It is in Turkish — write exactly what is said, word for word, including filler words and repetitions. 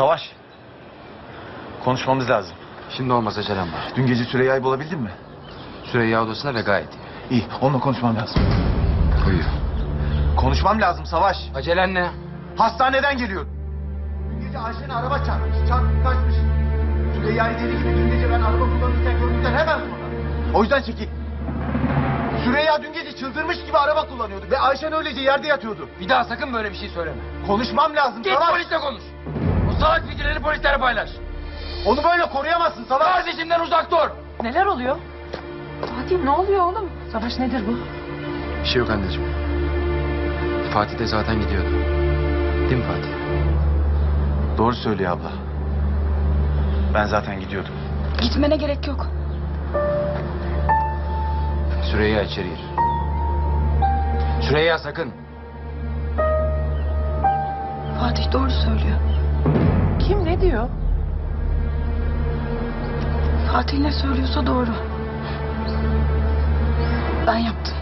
Savaş. Konuşmamız lazım. Şimdi olmaz, acelem var. Dün gece Süreyya'yı bulabildin mi? Süreyya odasında ve gayet iyi. İyi, onunla konuşmam lazım. Buyur. Konuşmam lazım Savaş. Acelen ne? Hastaneden geliyor. Dün gece Ayşe'nin araba çarpmış, çarpıp kaçmış. Süreyya'yı deli gibi dün gece ben araba kullanırken gördükten hemen sonra. O yüzden çekil. Süreyya dün gece çıldırmış gibi araba kullanıyordu ve Ayşen öylece yerde yatıyordu. Bir daha sakın böyle bir şey söyleme. Konuşmam lazım Git Savaş. polisle konuş. O salak fikirleri polislere paylaş. Onu böyle koruyamazsın Savaş. Kardeşimden uzak dur. Neler oluyor? Fatih ne oluyor oğlum? Savaş nedir bu? Bir şey yok anneciğim. Fatih de zaten gidiyordu. Değil mi Fatih? Doğru söylüyor abla. Ben zaten gidiyordum. Gitmene gerek yok. Süreyya içeri gir. Süreyya sakın. Fatih doğru söylüyor. Kim ne diyor? Fatih ne söylüyorsa doğru. Ben yaptım.